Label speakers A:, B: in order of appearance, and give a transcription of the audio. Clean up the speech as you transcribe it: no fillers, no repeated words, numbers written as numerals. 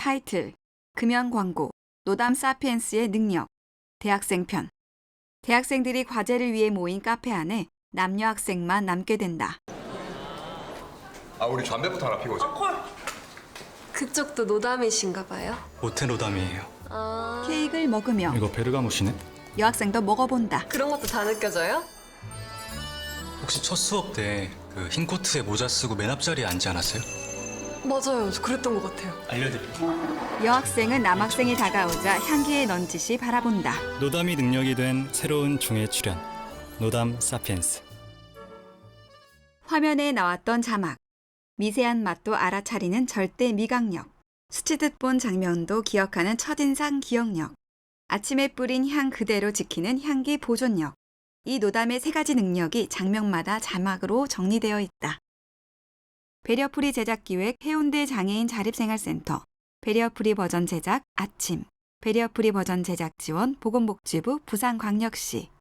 A: 타이틀, 금연 광고, 노담 사피엔스의 능력, 대학생편. 대학생들이 과제를 위해 모인 카페 안에 남녀 학생만 남게 된다.
B: 우리 담배부터 하나 피우자.
C: 그쪽도 노담이신가 봐요?
D: 모태노담이에요.
A: 케이크를 먹으며
D: 이거 베르가모시네?
A: 여학생도 먹어본다.
C: 그런 것도 다 느껴져요?
D: 혹시 첫 수업 때 그 흰 코트에 모자 쓰고 맨 앞자리에 앉지 않았어요?
C: 맞아요. 그랬던 것 같아요.
D: 알려드릴게요.
A: 여학생은 남학생이 다가오자 향기에 넌지시 바라본다.
D: 노담이 능력이 된 새로운 중의 출현. 노담 사피엔스.
A: 화면에 나왔던 자막. 미세한 맛도 알아차리는 절대 미각력. 스치듯 본 장면도 기억하는 첫인상 기억력. 아침에 뿌린 향 그대로 지키는 향기 보존력. 이 노담의 세 가지 능력이 장면마다 자막으로 정리되어 있다. 배려프리 제작기획 해운대 장애인 자립생활센터, 배려프리 버전 제작 아침, 배려프리 버전 제작 지원 보건복지부 부산광역시.